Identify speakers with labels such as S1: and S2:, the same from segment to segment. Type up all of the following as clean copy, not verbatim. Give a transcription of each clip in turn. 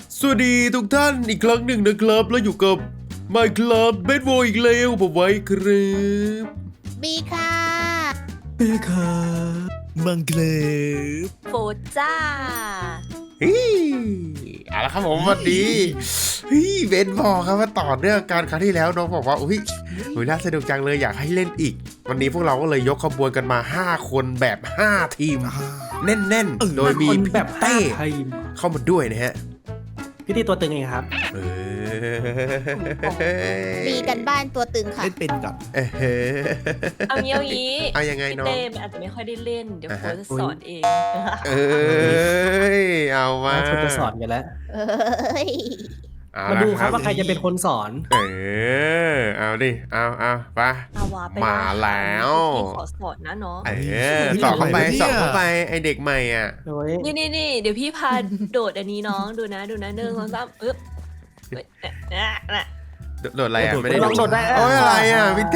S1: สวัสดีทุกท่านอีกครั้งหนึ่งนะครับแล้วอยู่กับ Minecraft Bedwars อีกแล้วผมไว้ครับ
S2: บีค่ะ
S3: เอ้ค่ะมังเกลฟ
S4: โฟจ้า
S1: เฮ้ยเอาละครับผมสวัสดีเบนบอกครับว่าต่อเนื่องการครั้งที่แล้วน้องบอกว่าอุ้ยน่าสนุกจังเลยอยากให้เล่นอีกวันนี้พวกเราก็เลยยกขบวนกันมา5คนแบบ5ทีมแน่นๆโดยมีพี่เต้เข้ามาด้วยนะฮะ
S5: พี่ที่ตัวตึงเองครับ
S2: บีกันบ้านตัวตึงค่ะ
S3: เล่นเป็นก่อน
S4: เอางี้
S1: เอายังไง
S4: พี่
S1: น้อง
S4: เต้มันอาจจะไม่ค่อยได้เล่น เดี๋ยวโฟจะสอนเอง
S1: เอามา
S5: คุณจะสอนกันแล้ว
S2: เอ้ย
S5: มาดูครับว่าใครจะเป็นคนสอน
S1: เอาดิเอาไป
S4: อาวาไป
S1: มาแล้ว
S4: พี่ขอสอนนะน้อง
S1: สอบเข้าไปไอเด็กใหม่อ่ะ
S5: โอ้ย
S4: นี่เดี๋ยวพี่พาโดดอันนี้น้องดูนะ1 2 3อึ๊บน่ะ
S1: โดดอะไรอ่ะไม่ได้
S5: ลองโดดได้
S1: โอ้ยอะไรอ่ะพี่เต้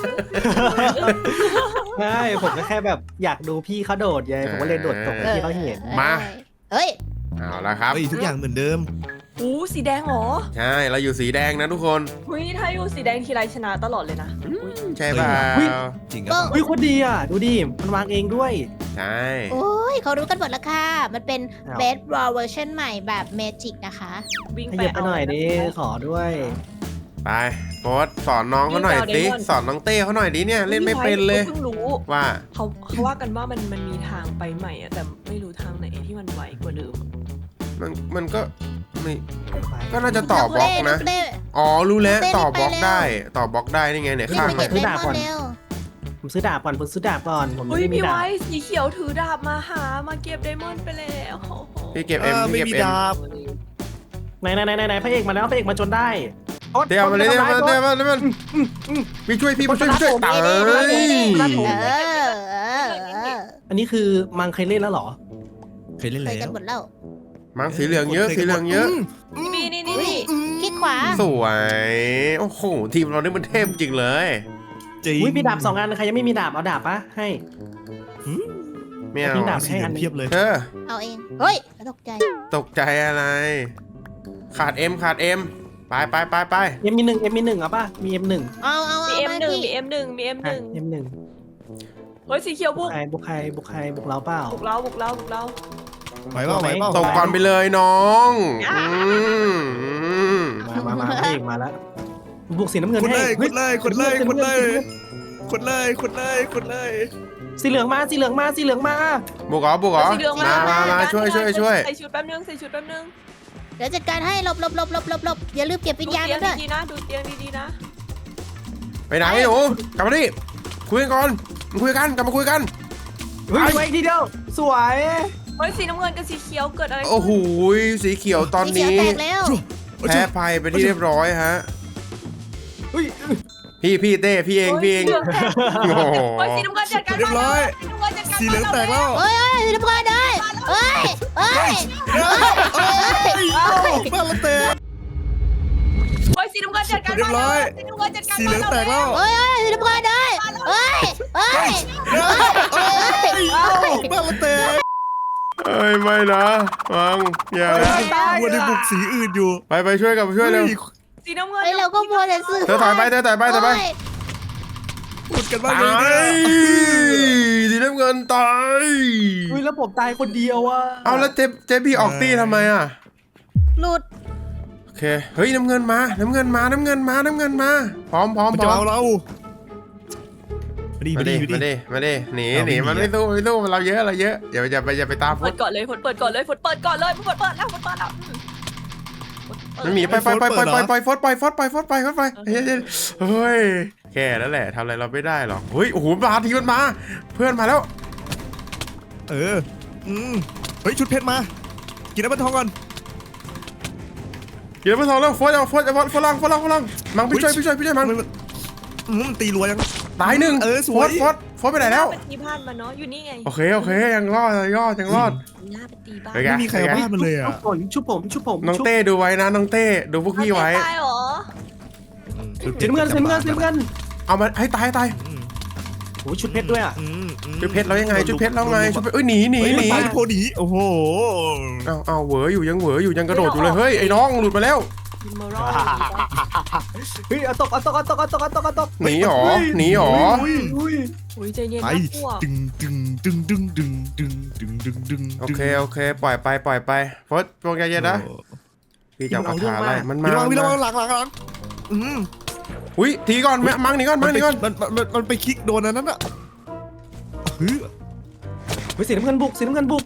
S5: ใช่ผมก็แค่แบบอยากดูพี่เขาโดดไงผมก็เลยโดดตกให้พี่เขาเห็น
S1: มา
S2: เฮ้ย
S1: เอาละครับ
S3: เฮ้ยทุกอย่างเหมือนเดิม
S4: อู้สีแดงเหรอ
S1: ใช่เราอยู่สีแดงนะทุกคน
S4: หุ้ยถ้าอยู่สีแดงทีไรชนะตลอดเลยนะอุ๊ย
S1: ใช่เปล่า
S3: จริง
S2: ก็
S3: อ่ะ
S5: เฮ้ยโคตรดีอ่ะดูดิมันวางเองด้วย
S1: ใช่
S2: โอ้ยเขารู้กันหมดแล้วค่ะ มันเป็น
S5: อ้าว
S2: Bed War เวอร์ชันใหม่แบบเมจิกนะคะ
S4: วิ่ง
S5: ข
S4: ไป
S5: ยับไป
S4: เอา
S5: หน่อยดิขอด้วย
S1: ไปโค้ดสอนน้องเขาหน่อยสิสอนน้องเต้เขาหน่อยดิเนี่ยเล่นไม่เป็นเลย
S4: เพิ่งรู้
S1: ว่า
S4: เขาว่ากันว่ามันมีทางไปใหม่อะแต่ไม่รู้ทางไหนที่มันไวกว่าเดิม
S1: มันก็ไม่ก็น่าจะต่อบล็อกนะ
S2: เต้
S1: อ๋อรู้แล้ว
S2: เต้
S1: ต่อบล็อก
S2: ไปเร็ว
S1: ได้ต่อบล็อกได้นี่ไงเนี่ย
S2: รีบ
S1: ข้าง
S2: ไป
S1: มั
S2: เก็
S1: น
S2: บเลมอนเร็ว
S5: ผมซื้อดาบก่อนผมซื้อดาบก่อนผม
S4: เฮ้ย
S5: ไม่มี
S4: พี่
S5: ดาบ
S4: ไว้สีเขียวถือดาบมาเก็บไดมอนด์ไปแล้วโอ้โห
S1: พี่เก็บเอ็ม
S3: ไม่
S1: พี่เก็บ
S3: มี
S1: เอ็ม
S3: ดาบ
S5: ไหนพระเอกมาแล้วพระเอกมาจนได้
S1: เดี๋ยวมาเลยเดี๋ยวมันพี่ช่วยพี่มาช่วยตาย
S2: เออ
S5: อันนี้คือมังเคยเล่นแล้วเหรอ
S3: เคยเล่น
S2: เค
S3: แล้
S2: ยกัน
S3: ว
S2: หมดแล้ว
S1: มังสีเหลืองเยอะสีเหลืองเยอะ
S4: นี่
S2: อุ้ยคลิกขวา
S1: สวยโอ้โหทีมเรานี่มันเทพจริงเลย
S3: จริง
S5: อุ้ยมีดาบ2 อันใครยังไม่มีดาบเอาดาบปะให้
S1: ไม่เอา
S5: ทิ้งดาบ
S3: สีเหลืองเพียบเลย
S2: เอาเอง เฮ้ยตกใจ
S1: ตกใจอะไร ขาดเอ็มไป
S5: เอ็มมีหนึ่งเอาปะมี M1
S2: เอา
S4: มี
S2: มา
S4: M1
S2: พี่
S4: มี M1 มี
S5: อ่ะ
S4: M1
S5: M1
S4: เฮ้ยสีเขียวบุก
S5: บุกใครบุกเราเปล่า
S4: บุกเรา
S3: ไหวเปล่า
S1: ตกก่อนไปเลยน้อง
S5: มาพระเอกมาแล้วบุกสีน้ำเงิน
S3: คน
S5: ให้
S3: เลยคนเลยคนเลยคนเลยคนเลยคนเลยคนเลย
S5: สีเหลืองมา
S1: บุกเหรอ
S4: สีเหลือง
S1: มาช่วย
S4: ใส่ชุดแป๊บนึง
S2: เดี๋ยวจัดการให้หลบอย่าลืมเก็บวิญญาณ
S4: ดู
S2: กัน
S4: เตี
S2: ด้วย
S4: งดีๆนะดูเตียงดีๆนะ
S1: ไปไหนหนูกลับมาดิคุยกันก่อนคุยกันกลับมาคุยกัน
S5: เฮ้ยไว้ทีเดียวสวย
S4: เฮ้ยสีน้ำเงินกับสีเขียวเกิดอะไร
S1: โอ้โหสีเขียวตอน
S2: สีเขียว
S1: นี้
S2: แตกแล้ว
S1: แพ้ภัยไปที่เรียบร้อยฮะ
S5: เฮ้ย
S1: พี่เต้พี่เองโอ้โห
S4: เฮ้ยสีน้ำเงินจัดการ
S3: เรียบร้อยสีเหลืองแตกแล้ว
S2: เฮ้ยสีน้ำเงินเลยเฮ้ย
S3: บ้านเราแตก
S4: เฮ้ยสีน้ำเงินจัดการ
S3: เรียบร้อย
S4: สีน้ำเงินจัดการ
S3: สีเหลืองแตกแล้ว
S2: เฮ้ยสีน้ำเงินเลยเฮ้ย
S3: บ้านเราแตก
S1: เอ้ยไม่นะมังอย่า
S3: วัวในบุกสีอื่นอยู่
S1: ไปช่วยเร็ว
S4: สีน้ำเงิน
S2: เฮ้ยเราก็มัวแต่ซื้อ
S1: เธอถอยไป
S3: ขุดกันบ้าง
S1: ตา
S3: เลย
S1: สีน้ำเงินตาย
S5: เฮ้ยแล้วผมตายคนเดียวอ่ะ
S1: เอาแล้วเจ๊พี่ออกตีทำไมอ่ะ
S2: หลุด
S1: โอเคเฮ้ยน้ำเงินมาพร้อม
S3: มันจะเอาเรามาดิ
S1: มาดิหนีมันไม่สู้เราเยอะอย่าไปตามฟุ
S4: เปิ
S1: ต
S4: ดก่อนเลยเปิดแล้วเปิดแล้ว
S1: มันหนีไปฟดไปเฮ้ยแค่นั่นแหละทำอะไรเราไม่ได้หรอกเฮ้ยโอ้โหมันมาเพื่อนมาแล้ว
S3: เฮ้ยชุดเพชรมากินน้ำมันทองก่อน
S1: เดี๋ยวไปทองแล้วฟดฝรั่งมังพี่ช่วยมัง
S3: มันตีรัวยัง
S1: ตายหนึ่ง
S3: สวย
S1: ฟดไปไหนแล้ว
S4: ไปตีบ้านมาเนาะอยู่นี่ไง
S1: โอเคยังรอดยังรอด
S4: หน้าไปตีบ้าน
S1: ไปกั
S3: ไม่มีใครเอาบ้านมันเลยอ่ะ
S5: ชุบผม
S1: น้องเต้ดูไว้นะน้องเต้ดูพวกพี่ไว้
S4: ตายเหรอ
S5: สีน้ำเงิน
S1: เอามาให้ตาย
S3: โ
S5: อ้ยชุดเพชรด้วยอ่ะ
S1: ชุดเพชรแล้วยังไงชุดเพชรแล้วไงชุดเพชรหนี
S3: ไปโพดีโอ้โห
S1: เอาเหวออยู่ยังกระโดดอยู่เลยเฮ้ยไอ้น้องหลุดมาแล้ว
S4: อิมมอรัล
S5: เฮ้ยเอาตก
S1: หนีหรอ
S4: อุ้ยใจเย็น
S3: ไป
S4: นะพวก
S3: ดึง
S1: โอเคปล่อยไปโฟสโปรแกรมเย็นนะพี่จับคาถาอะไรมัน
S3: พี่
S1: มา
S3: ระวังหลัง
S1: อุ้ยทีก่อนมังหนีก่อน
S3: มันไปคลิกโดนอันนั้นอ่ะ
S5: เฮ้ยสีน้ำเงินบุก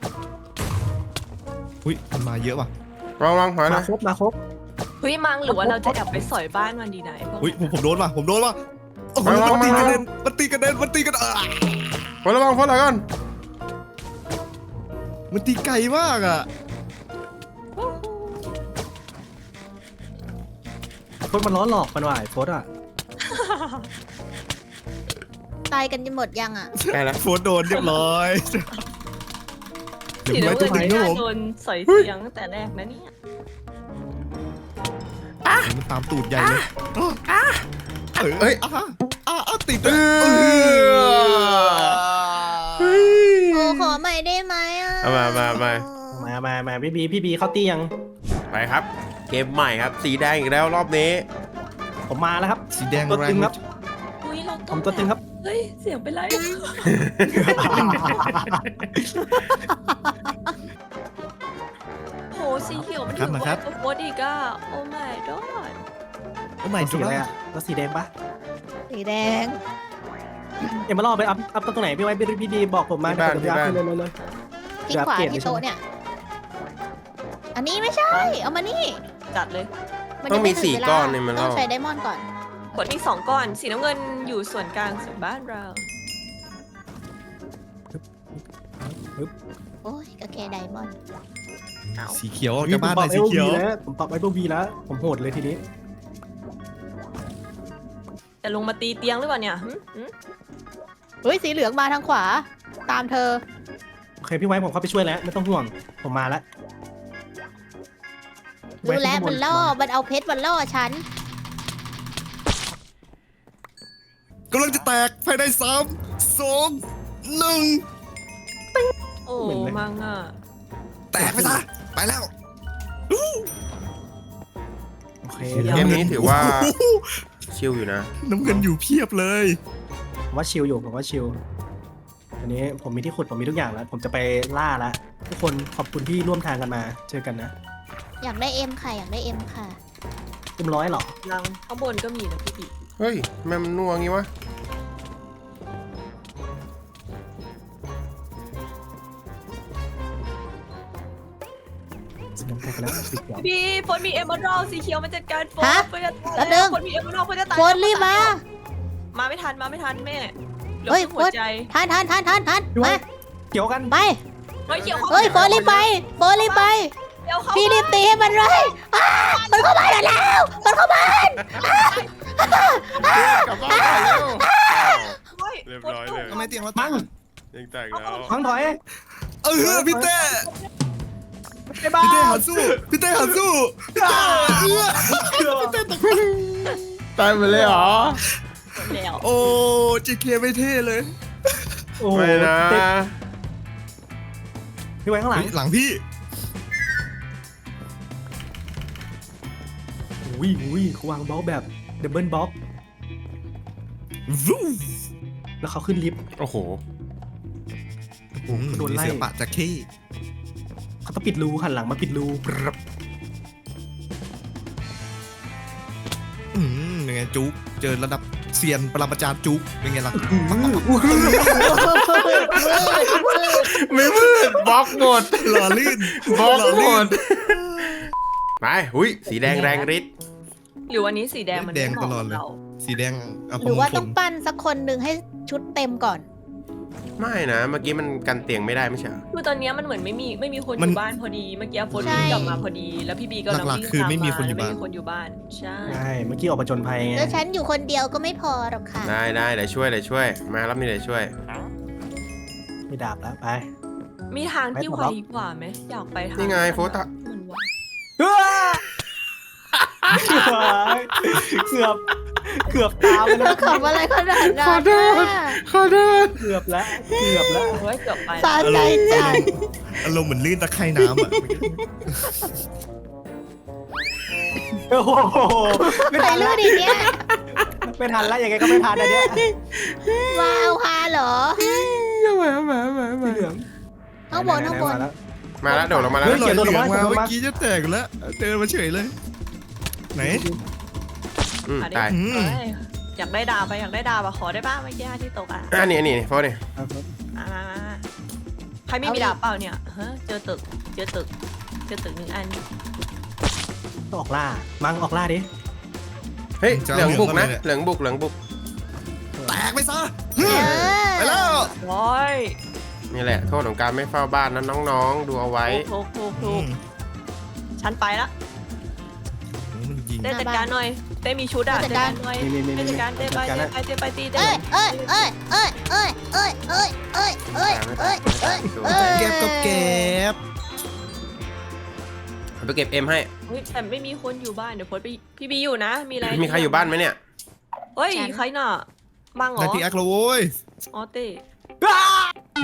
S3: อุ้ยมันมาเยอะว่ะ
S1: ลองหอย
S5: มา
S1: นะ
S5: ครบ
S4: เฮ้ยมังหรือว่าเราจะแอบไปสอยบ้านมันดีไหนพวก
S3: อุ้ยผมโดนว่ะโอ้โหมันตีกระเด็นโ
S1: โฟสระวังโฟสหน่อยก่อน
S3: มันตีไกลมากอ่ะ
S5: โคตรมันล้อหลอกมันว่ะไอ้โคตรอ่ะ
S2: ตายกันจะหมดยังอ่ะ
S1: ใกล้แล้ว
S3: โฟนโดนเรียบร้อย
S4: สีน้ำเงินไม่น่าโดนสอยเสียงตั้งแต่แรกนะเนี่ย
S3: มันตามตูดใหญ่เลยติด
S2: โอ้ขอใหม่ได้ไหมอ่ะ
S5: มาพี่บีเข้าตียัง
S1: ไปครับเกมใหม่ครับสีแดงอีกแล้วรอบนี้
S5: ผมมาแล้วครับ
S3: สีแดง
S5: ตัว
S3: แร
S5: ตึ
S3: ง
S5: งครับ
S4: อุ้ยเรา
S5: ผมตัวตึงครับ
S4: เฮ้ยเสียงเป็นไรโหสีเขียวมันถึงว่าตัวโคตรอีกอ่ะโอ้ my god
S3: โอ้ไม่
S5: สีอะไรอ่ะแล้วสีแดงปะ
S2: สีแดง
S5: เอ็มมาล่อไปอัพตรงไหนพี่ไว้พี่ดีบอกผมมาเดี๋ยวผมจะอัพเลย
S2: ที่ขวาที่โต๊ะเนี่ย อันนี้ไม่ใช่ เอามานี่
S4: จัดเลย
S1: ต้องมี4ก้อนนี่มัน
S2: ต้อ
S1: เล่าง
S2: ใช้ไดมอนด์ก่อน
S4: ขวดมี2ก้อนสีน้ำเงินอยู่ส่วนกลางส่วนบ้านเรา
S2: โอ้ยก็แค่ไดมอนด์
S3: สีเขียว
S5: ผม
S3: จะบ้านไหนสีเขียว
S5: ผมปรับไว้เบอร์วีแล้วผมโหดเลยทีนี้
S4: จะลงมาตีเตียงหรือเปล่าเนี่ยหึ
S2: เฮ้ยสีเหลืองมาทางขวา ตามเธอ
S5: โอเคพี่ไว้ผมเข้าไปช่วยแล้วไม่ต้องห่วงผมมาแล้ว
S2: รู้แล้วมันล่อ มันเอาเพชรมันล่อฉัน
S3: กำลังจะแตกภายใน3 2 1
S4: โอ้มังอ่ะ
S3: แตกไปซะไปแล้ว
S5: โอเค
S1: เกมนี้ถือว่าชิลอยู่นะ
S3: น้ำเงินอยู่เพียบเลย
S5: ผมว่าชิลอยู่ผมว่าชิลอันนี้ผมมีที่ขุดผมมีทุกอย่างแล้ว ผมจะไปล่าแล้วทุกคนขอบคุณที่ร่วมทางกันมาเจอกันนะ
S2: อยากได้เอ็มค่ะ อยากได้เอ็มค่ะ
S5: เต็มร้อยเหรอ
S4: ลังข้างบนก็มีนะพี่บิ๊ก
S1: เฮ้ยแม่มันนัวงี้วะ
S5: สีน้ำเงินแล้วสีเขียว
S4: พี่ฝนมีเอมเบอรัลสีเขียวมาจัดการฝน
S2: ฮะ
S4: ฝนจะ
S2: แป๊บนึง
S4: ฝนมีเอมเบอรัลฝนจะตาย
S2: โฟนรีบมา
S4: มาไม่ทันแม่เหลือ
S2: เฮ้ย
S4: แค่หัวใจ
S2: ทันมา
S5: เกี่ยวกัน
S2: ไป
S4: เฮ้ยเขียว
S2: เฮ้ยโฟนรีบไป
S4: เดี๋ยวเขา
S2: พี่รีบตีให้มันเลยมันเข้าบ้านแล้วมันเข้าบ้าน
S1: กลับบ้านแล้ว
S4: เฮ้ย
S1: เรียบ
S4: ฝน
S1: ร้อย
S4: ต
S1: เล
S4: ก
S1: ย
S3: ทำไมเตียงเรา
S5: มั่ง
S1: ยังแตกแล้ว
S5: พังถอย
S3: พี่เต้
S5: ไอ้บ้า
S3: หันสู้พี่เต้หันสู้พี่เต้
S1: ตายไปเลยเหรอ
S4: แล้ว
S3: โอ้จีเคไม่เท่เลย
S5: โอ้
S1: ไม่นะ
S5: พี่ไว้ข้างหลัง
S3: หลังพี่
S5: อุ้ยเขาวางบล็อกแบบดับเบิลบล็อกแล้วเขาขึ้นลิฟต์
S1: โอ้โห
S5: โดนไล่
S3: เสือปะจะเข้
S5: เขาต้องปิดรูหันหลังมาปิดรูปรับ
S3: ยังไงจุ๊กเจอระดับเซียนปรมาจารย์จุ๊กเป็นไงล่ะ
S1: ไม่มืดบล็อกหมด
S3: หล่อลื่น
S1: บล็อก
S3: หล่อ
S1: หม
S3: ลื่
S1: ด
S3: น
S1: ไปหุยสีแดงแรงฤทธิ์
S4: หรือวันนี้สีแดงมัน
S3: แดง
S4: ไม่เห
S3: ต
S4: มาะ
S3: ลอด
S4: กับ
S3: เลย
S4: เรา
S3: สีแดง
S2: หรือว่าต้องปั้นสักคนหนึ่งให้ชุดเต็มก่อน
S1: ไม่นะเมื่อกี้มันกันเตียงไม่ได้ไม่ใช่เหรอ
S4: คือตอนนี้มันเหมือนไม่มีคนอยู่บ้านพอดีเมื่อกี้ฝน
S2: ใช่
S4: กลับมาพอดีแล้วพี่บีก็ลังวิ่ง
S3: คือไม่มี
S4: ตา
S3: คนอยู่
S4: ไม่
S3: บ้าน
S4: มีคนอยู่บ้านใช่
S5: ใช่เมื่อกี้ออกมาจนภัยไง
S2: แล้วฉันอยู่คนเดียวก็ไม่พอหรอกค่ะ
S1: ได้เดี๋ยวช่วยมารับนี่เดี๋ยวช่วย
S5: ไม่ดาบแล้วไป
S4: มีทางที่ไวกว่าไหมอยากไปทาง
S1: นี่ไงโฟตะ
S4: มันไว
S5: เกือบเกือบตามไป
S2: เธ
S5: แล้
S2: อ
S5: ว
S2: ขำอะไรขนาดนั้น
S1: ขอโทษ
S2: น่ะ
S1: ขอโทษ
S5: เกือบแล้วเกือบแล้ว
S4: โอ้ยเกือบไป
S2: สะใจจัง
S3: อารมณ์เหมือนลื่นตะไคร่น้ำอ่ะ
S5: โอ้โหไม่
S2: ใคร
S5: ทัน
S2: ลื่
S5: แล้ว
S2: นอีกเนี่ย
S5: ไม่ทันแล้วยังไงก็ไม่ทันอันเนี้ย
S2: มาเอาพาเหรอ
S5: สีเหลือง
S2: ข้างบนข้างบน
S5: มาแล้ว
S1: มาแล้วโดดลงมาแล้ว
S3: เฮ้ย
S5: เขี
S3: เหลื
S5: ยน
S3: อง
S5: โดนลงมา
S3: มาเมื่อกี้จะแตกอยู่แล้วเดินมาเฉยเลย ไหน
S4: อ่ะดิ
S1: ตาย
S3: อืม
S4: เอ้ยอยากได้ดาบไปอยากได้ดาบอะขอได้ป่ะเมื่อกี้ที่ตกอ่ะ
S1: นี่โฟนี่
S4: มาใครไม่มีดาบเปล่าเนี่ยฮะเจอตึกเจอตึกหนึ่งอัน
S5: ออกล่ามังออกล่าดิ
S1: เฮ้ยเหลืองบุกนะเหลืองบุก
S3: แตกไปซะ
S2: เออ
S3: ไปแล้ว
S4: โอ้ย
S1: นี่แหละโทษของการไม่เฝ้าบ้านนะน้องๆดูเอาไว้
S4: ถูกฉันไปละ
S3: มันยิง
S4: เต้จัดการหน่อยเต้มีชุดอ่ะจัดการหน่อย
S5: มี
S4: เต้จัดการเต้ไปตีเต้
S2: เอ้ยเอ้ยเอ้ยเอ้ยเอ้ยเอ้ยเอ้ยเอ้ยเอ้ยเอ้ยเอ้ยเอ้ย
S3: เก็บก็เก็บ
S1: เอาไปเก็บเอ็มให้
S4: เฮ้ยแต่ไม่มีคนอยู่บ้านเดี๋ยวพดไปพี่บีอยู่นะมีอะไร
S1: มีใครอยู่บ้านไหมเนี่ย
S4: เฮ้ยใครน่ะมังเหร
S3: ได้
S4: อ
S3: พี่แอคแล้วโว้ย
S4: อ๋อเต้
S3: อ่ะ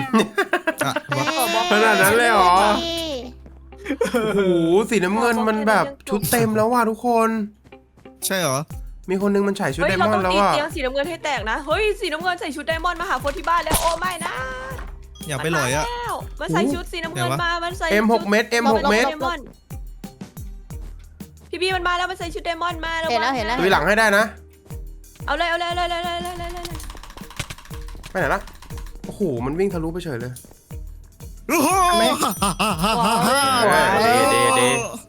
S1: ขนาดนั้นเลยเหรอ โอ้โหสีน้ำเงินมันแบบชุดเต็มแล้วว่ะทุกคน
S3: ใช่เหรอ
S1: มีคนนึงมันใส่ชุด
S4: เฮ้ย
S1: ไดม
S4: เรา
S1: อ
S4: ต้อน ง
S1: ด์แล้ว
S4: ตี
S1: ว่ะ
S4: เตียงสีน้ำเงินให้แตกนะเฮ้ยสีน้ำเงินใส่ชุดไดมอนด์มาหาโฟที่บ้านแล้วโอ้ไม่นะ
S3: อย่าไปหลอยอ่ะ
S4: มันใส่ชุดสีน้ำเงินมามันใส่
S1: เอ็ม6 เม็ด M 6 เม็ด
S4: ไดมอนด์พี่บีมันมาแล้วมันใส่ชุดไดมอนด์มา
S2: เห็นแล้ว
S1: ดูหลังให้ได้นะ
S4: เอาเลย
S1: ไปไหนละโอ้โหมันวิ่งทะลุไปเฉยเลย
S3: โอ้โห
S1: เด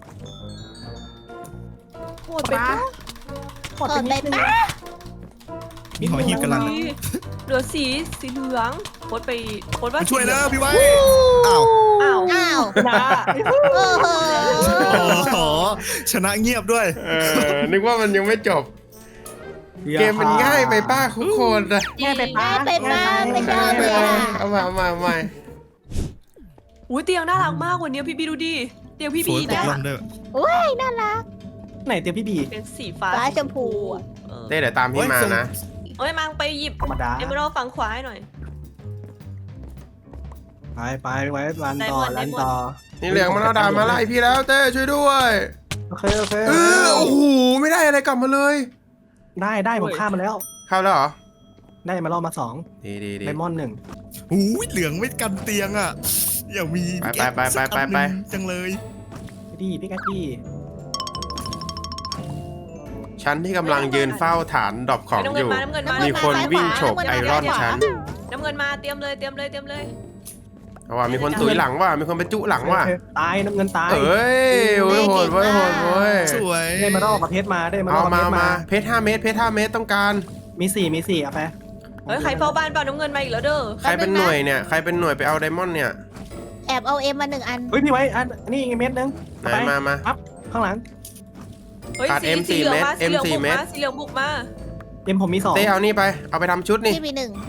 S4: โหดไปปะ
S2: เปิดเลยป้า
S3: มีหอยหีบกันลัน
S4: เหลือสีเหลืองโคตรว่า
S3: ช่วยนะพี่ไว้อ้าว
S4: อ้าว
S2: อ้าว
S4: นะ
S2: โอ้โห
S3: โอ้ชนะเงียบด้วย
S1: นึกว่ามันยังไม่จบ เกมมันง่ายไปป้าทุกคนนะ
S5: ง่ายไปป้า
S2: ไปป้าไม่ชอบเลยอะ
S1: เอามา
S4: อุ้ยเตียงน่ารักมากกว่านี้พี่บีดูดิเตียงพี่
S3: ฝ
S4: บี
S3: นต
S4: เนี่
S3: ก
S4: ย
S3: ลงด้วย
S2: อุ้ยน่ารัก
S5: ไหนเตียงพี่บี
S4: เป็นสีฟ้า
S2: ฟ้าชมพูอะ
S1: เต้เดี๋ยวตามพี่มานะ
S4: เอ้ยมังไปหยิบ
S5: ธรรมดา
S4: เอเมอรัลฝั่งขวาให้หน่อย
S5: ไปไว้รันต่อรันต่อ
S1: นี่เหลืองมันเอาดาบมาไล่พี่แล้วเต้ช่วยด้วย
S5: โอเค
S1: โอ้โหไม่ได้อะไรกลับมาเลย
S5: ได้ผมฆ่ามาแล้ว
S1: เข้าแล้วเหรอ
S5: ได้มาล่อมา2
S1: ดี
S5: ไดมอนด์
S3: หูยเหลืองไม่กันเตียงอ่ะ อย่ามี
S1: ไป
S3: จังเลย
S5: 1ดีพี่แกดี้
S1: ฉันที่กำลังยืนเฝ้าฐานดรอปของ
S4: น้ำ
S1: อ
S4: เงิน
S1: ยู่
S4: มาน้ำเงินมา
S1: มีคนวิ่งฉกไอรอนฉัน
S4: น้ำเงินมาเตรียมเลย
S1: เอาว่ามีคนตุยหลังว่ะมีคนไปจุหลังว่ะ
S5: ตายน้ำเงินตาย
S1: เอ้ยโอ้ยโหดเว้ย
S3: สวย
S5: ได้มาล่อกับเพชรมาได้มาล่
S1: เอา
S5: อกับเพชร
S1: มา
S5: มา
S1: เพชร5 เมตรต้องการ
S5: มี4เอาไป
S4: เฮ้ยใครเฝ้าบ้านเปล่าน้ำเงินมาอีกแล้วเด้อ
S1: ใครเป็นหน่วยเนี่ยใครเป็นหน่วยไปเอาไดมอนด์เนี่ย
S2: แอบเอาเอ็มมา1 อัน
S5: เฮ้ยพี่ไว้อันนี่เม็ดนึง
S1: ไหนมา
S5: ปั๊บข้างหลัง
S4: เฮ้ย
S1: ขาด
S4: สี
S1: M
S4: เหลืองมา
S1: 4 เม็ด
S4: สีเหลืองบุก
S1: M 4 เม็
S4: มา
S1: ด
S4: สีเหลืองบุกมา
S5: ผมมี2
S1: เต้เอานี่ไปเอาไปทำชุดนี่
S2: ที่มี1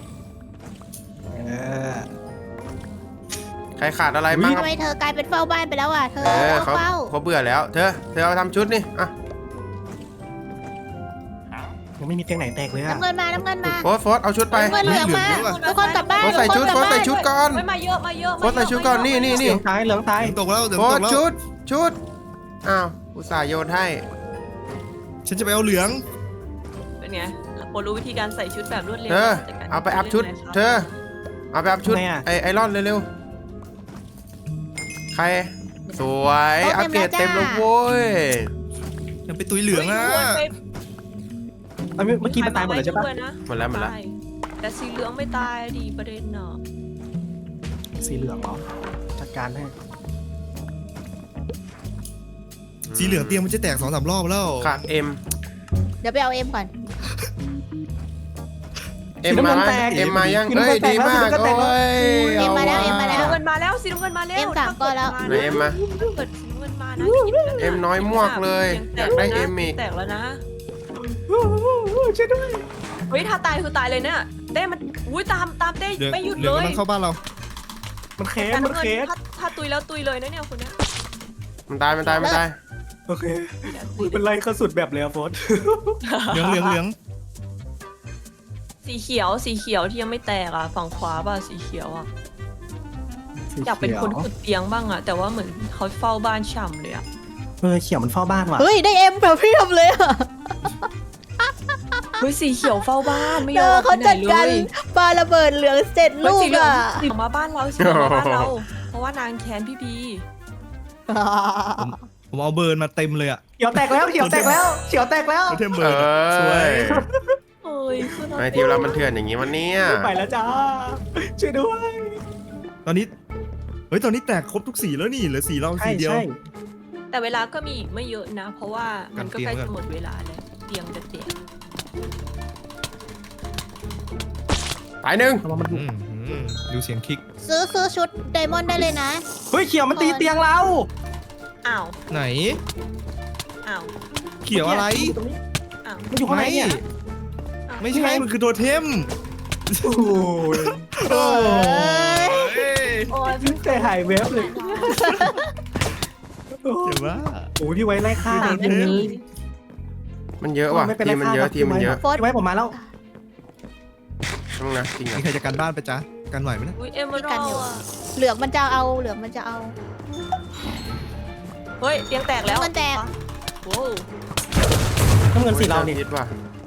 S1: ใครขาดอะไรบ้าง
S2: ทำไมเธอกลายเป็นเฝ้าบ้านไปแล้วอ่ะเธอ
S1: เขา
S2: เฝ้า
S1: เขาเบื่อแล้วเธอเอาทำชุดนี่อ่ะ
S5: ยังไม่มีเตียงไหนแตกเลยอะ
S2: น้ำเงินมา
S1: โฟสเอาชุดไป
S2: น้ำเงินเหลืองมาทุกคนกลับบ้าน
S1: โฟสใส่ชุด
S2: ทุกคนกลับบ้าน
S1: ใส่ชุดก่อน
S4: เฮ้ยมาเยอะ
S1: โฟสใส่ชุดก่อนนี่
S5: เหลืองตาย
S3: เหลืองตกแล้วเหลือง
S1: โฟ
S3: ต
S1: ส
S3: กแล้ว
S1: ชุดอ้าวอุตส่าห์โยนให้
S3: ฉันจะไปเอาเหลือง
S4: เป็นไงโปรู้วิธีการใส่ชุดแบบรวดเร็ว
S1: เธอเอาไปอัพชุด เธอเอาไปอัพชุดไอรอนเร็วๆใครสวยอัปเกรดเต็มแล้วโว้ย
S3: ยังไปตุยเหลืองอ่ะ
S5: เมื่อกี้มันตายหมดเลยใช่ปะ
S1: หมดแล้ว
S4: แต่สีเหลืองไม่ตายดีประเด็นเนาะ
S5: สีเหลืองเหรอจัดการให้
S3: สีเหลืองเตียงมันจะแตก2-3 รอบแล้ว
S1: ขาดเอ็ม
S2: เดี๋ยวไปเอาเอ็มก่อน
S1: มาเอ็มมายังเฮ้ยดีมากโอ้ย
S2: เอ็มมาแล้ว
S4: สีน้ำเงินมาแล้วสีน้ำเงินมาแล้ว
S2: เอ็มสามก้อนแล้ว
S1: ไหนเอ็มมา
S4: ถ้าเกิดสีน้ำเงินมานะ
S1: เอ็มน้อยมวกเลยอยากได้เอ็มอีก
S4: แตกแล้วนะ
S5: ช่วยด้วย
S4: เฮ้ยถ้าตายคือตายเลยเนี่ยเต้มันอุ้ยตามเต้
S3: เหลือง
S4: ไม่หยุด
S3: เหลื
S4: เล
S3: อง
S4: ย
S3: มันเข้าบ้านเรา
S5: มันเค
S4: แต่
S5: ส
S4: น้ำเงินถ้าตุยแล้วตุยเลยนะเนี่ยคนเนี้ย
S1: มันตาย
S5: โอเคเป็นไรเขาสุดแบบเลยอะโฟส
S3: เหลือง
S4: สีเขียวที่ยังไม่แตกอ่ะฝั่งขวาป่ะสีเขียวอ่ะ
S5: สี
S4: อยากเป็นคน
S5: ขียว
S4: ขุดเตียงบ้างอ่ะแต่ว่าเหมือนเขาเฝ้าบ้านฉ่ำเลยอ่ะ
S5: เขียวมันเฝ้าบ้านว่ะ
S2: เฮ้ยได้เอ็มแบบเพียบเลยอะ
S4: เฮ้ยสีเขียวเฝ้าบ้านไม่ย
S2: เจ
S4: อ
S2: อ
S4: ม
S2: เขา
S4: ไปไหน
S2: จัด
S4: เล
S2: การ
S4: ย
S2: ปาระเบิดเหลืองเสร็จ
S4: เฮ้ย
S2: ลู
S4: สี
S2: ก
S4: เหลือง
S2: อ่ะ
S4: สีเหลืองมาบ้านเราสีเหลืองมาบ้านเรา เพราะว่านางแค้นพี่พี
S3: ผมเอาเบิร์นมาเต็มเลยอะ
S5: เขียวแตกแล้วเขียวแตกแล้วเขียวแตกแล้ว
S3: โทเทมเบิร์นอะสวย
S4: เอ้ยคือเรา
S1: ไอทีมเรามันเถื่อนอย่างงี้วันเนี้ย
S5: ไม่ไปแล้วจ้าช่วยด้วย
S3: ตอนนี้เฮ้ยตอนนี้แตกครบทุกสีแล้วนี่เหลือสีเรา
S5: ใช่
S3: สีเดียว
S5: ใช่
S4: แต่เวลาก็มีอีกไม่เยอะนะ เพราะว่ามันก็ใกล้
S3: กันเตียง
S4: จะหมดเวลาแล้วเตียงจะแตก
S1: ตายหนึ่ง
S5: ระวังมัน
S3: ดูเสียงคลิก
S2: ซื้อชุดไดมอนด์ได้เลยนะ
S5: เฮ้ยเขียวมันตีเตียงเรา
S4: อ้าว
S3: ไหน
S4: อ้าว
S3: เขียวอะไร
S5: ตรงนี้
S4: อ้าว
S5: มันอยู่ข้างในเนี่ย
S3: ไม่ใช่มันคือโทเทม
S5: โอ้ย
S3: โอ้ย
S4: โอ้ย
S5: ใจหายเวฟเลย
S3: เดี๋ยวว่า
S5: โอ้ยพี่ไว้ไล่ฆ่า
S3: โดน
S5: ทีมนี้
S1: มันเยอะว่ะ
S5: ไม่เป็น
S1: ที
S5: ไร
S1: มมันเยอะ
S5: ครับ
S1: ทีมมันเยอะ
S2: โฟร์
S5: พี่ไว้ผมมาแล้ว
S1: ต้องนะจริงเหร
S3: มี
S1: อ
S3: ใครจะกันบ้านไปจ๊ะกันไหวไหมเนี่ย
S4: อุ้ยเอมเมอรัลด์อะ
S2: เหลืองมันจะเอาเหลืองมันจะเอา
S4: เฮ้ยเตียงแตกแล้ว
S2: มันแตก
S4: โว้ว
S5: น้ำเงินสีเราเนี่ย
S1: คิดว่า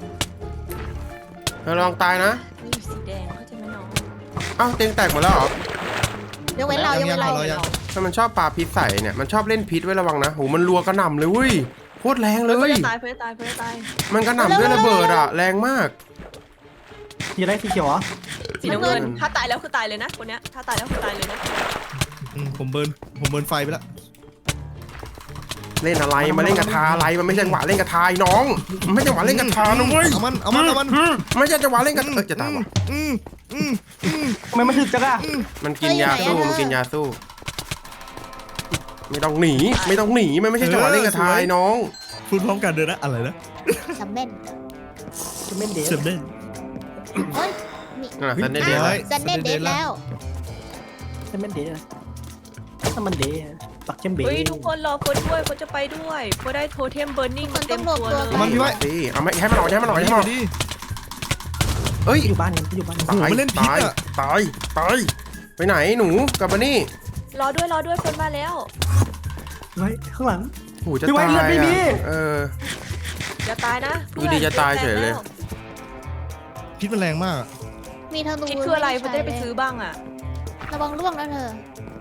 S1: เธอลองตายนะ
S4: นี่สีแดงเขาใจะไหมน้อง
S1: เอ้าเตียงแตกหมดแล้วเหรอ
S2: ยกเว้นเรายกเว้นเรา
S3: ยัง
S1: ถ้ามันชอบปลาพิษใส่เนี่ยมันชอบเล่นพิษไว้ระวังนะโหมันรัวกระหน่ำเลยเว้ยโคตรแรงเล
S4: เพื่
S1: ย
S4: อจะตายเพื่อจะตายเพื่อจะตาย
S1: มันกระหน่ำด้วยระเบิดอะแรงมาก
S5: สีอะไรสีเขียวเหรอ
S4: สีน้ำเงิน
S1: น้ำเงิน
S4: ถ้าตายแล้วคือตายเลยนะคนเนี้ยถ้าตายแล้วคือตายเลยนะ
S3: ผมเบิร์นไฟไปแล้ว
S1: เล่นอะไรมาเล่นกระทาอะไรมันไม่ใช่จังหวะเล่นกระทาไอ้น้องมันไม่ใช่จังหวะเล่นกระทานะเว้ย
S3: เอามัน
S1: ไม่ใช่จังหวะเล่นกระจะตายว่ะ
S5: ทำไมมันถึกจังอะ
S1: มันกินยาสู้มันกินยาสู้ ไม่ต้องหนีไม่ต้องหนีมันไม่ใช่จังหวะเล่นกระทาไอ้น้อง
S3: พูดพร้อมกันเดินนะอะไรนะ
S2: ซัมเม่น
S5: จะเม่นเดส
S3: เซมเด่น
S2: เฮ้ย
S1: นั่นแหละซันเดย์เดย์
S3: ฮ้
S1: เลย
S3: ย
S2: ซันเม่นเดทแล้ว
S5: จะเม่นเดสถ้ามันเดสปักเข้มเบส
S4: เฮ้ยทุกคนรอคนด้วยคนจะไปด้วยเพราะได้โทเทมเบิร์นนิ่งมาเต็มตัวเลย
S3: มันพี่ไว้
S1: สิเอาไม่ให้มันหน่อยให้มันหน่อยให้มันหน่อย
S3: ดิ
S1: เอ้ย
S5: อยู่บ้านกันอยู่บ้านกัน
S3: โอ้โห
S1: ตาย
S3: มันเล่นพิษ
S1: ตาย
S3: อะ
S1: ตายตายไปไหนหนูกลับมานี่
S4: รอด้วยคนมาแล้ว
S5: ไว้ข้างหลัง
S1: โหจะ
S5: พี่ไว้
S1: ตาย
S5: เลือดไม่มี
S1: อ่ะเออ
S4: จะตายนะ
S1: ดูดิจะตายเฉยเลย
S3: พิษมันแรงมาก
S2: มีธนู
S4: คิดคืออะไรเพื่อจะได้ไปซื้อบ้างอ่ะ
S2: ระวังร่วงนะเธอ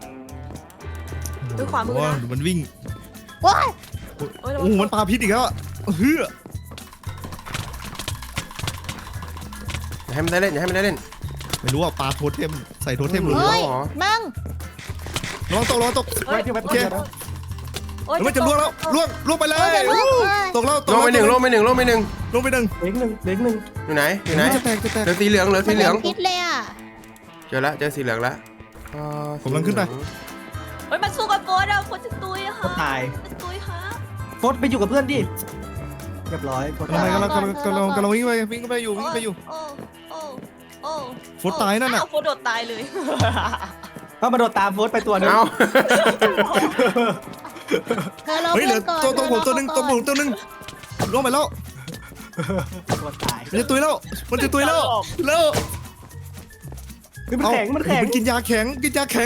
S4: ด้วยความมือนะ
S3: โอ้โหมันวิ่ง
S2: ว้าย
S4: โอ้ย
S3: โอ้โหมันปาพิษอีกแล้วอะเฮ้ย
S1: อย่าให้มันได้เล่นอย่าให้มันได้เล่น
S3: ไม่รู้ว่าปาโทเทมใส่โทเทมหรือ
S1: เฮ้
S2: เฮ้ย
S1: เหรอ
S2: มั่ง
S3: ระวังตกระวังตก
S5: ไว้พี่ไว้
S3: โอเค
S4: โอ้ย
S3: มันจะล่วงแล้วล่วงไปเล
S2: เฮ้ย
S3: ย
S2: เดี๋ยวลูก
S3: ตกแล้วต
S1: ล
S3: ก
S1: งไปหนึ่งลงไปหนึ่งลงไปหนึ่ง
S3: ลงไปหนึ่ง
S5: เล็กหนึ่งเล็กหนึ่ง
S1: อยู่ไหนอยู่ไหน
S3: จะแตกจะแตก
S1: เหลือสีเหลืองเหลือ
S2: มั
S1: สี
S2: น
S1: เหลือง
S2: พิษเลยอ่ะ
S1: เจอแล้วเจอสีเหลืองแล้ว
S3: ผมกำลังขึ้นไป
S4: เฮ้ยมันสู้กับโฟร์อะโฟร์จะตุยอะ
S5: โค
S4: ค่ะ
S5: ตรตาย
S4: จะตุยค่ะ
S5: โฟดไปอยู่กับเพื่อนดิเรียบร้อยโฟด
S3: กำลั
S5: ตาย
S3: งกำลังวิ่งไปอยู่วิ่งไปอยู่
S4: โอ้โอ้โอ้
S3: โฟร์ตายนั่นน่ะ
S4: อ้าวโฟร์โดดตายเลย
S5: ก็มาโดดตามโฟดไปตัวหนึง
S1: เอา
S2: เธอรอ
S3: เฮ้ยเหลื
S2: เพื่
S3: อ
S2: อนก่อน
S3: ตัวผมตัวหนึงตัวผมตัวหนึงล่วงไปแล้ว
S5: ตัวตาย
S3: มันจะตุยแล้วมันจะตุยแล้วแล้ว
S5: เฮ้ยมันแข็งมันแข็ง
S3: มันกินยาแข็งกินยาแข็ง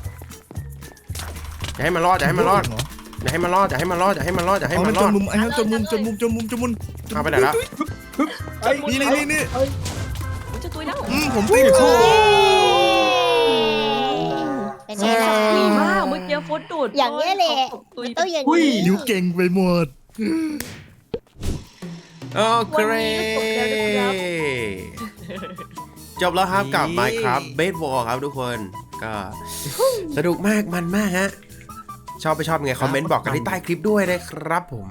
S1: อย่าให้มันรอดอย่าให้มันรอดอย่าให้มันรอดอย่าให้มันรอดอย่าให้มันรอดอย่าให้
S3: เอา
S1: มั
S3: มัน น
S1: ร
S3: จ
S1: อด
S3: นมุมไอ้จนมุม
S1: เอาไปไหนแล้ว
S5: เอ้ย
S3: นี่
S4: มันจะตุยแล้ว
S3: ผมตีโค
S2: เป็นไงล่ะ
S4: ดีมากเมื่อกี้โฟร์โดด
S2: อย่างนี้แหละ
S4: ตุย
S2: มันต้องอย่าง
S5: อุ้ย
S2: นี้
S3: นิ้วเก่งไปหมด
S1: โอเคจบแล้วครับกับ Minecraft Bed War ครับทุกคนก็สนุกมากมันมากฮะชอบไปชอบยังไงคอมเมนต์บอกกันที่ใต้คลิปด้วยนะครับผม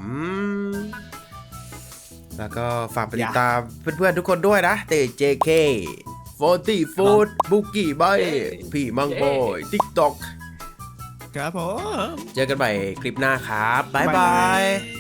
S1: แล้วก็ฝากไปติดตามเพื่อนๆทุกคนด้วยนะเต JK 40 Food บุกกี้ใบพี่มังโบย TikTok
S3: ครับผม
S1: เจอกันใหม่คลิปหน้าครับ บ๊ายบาย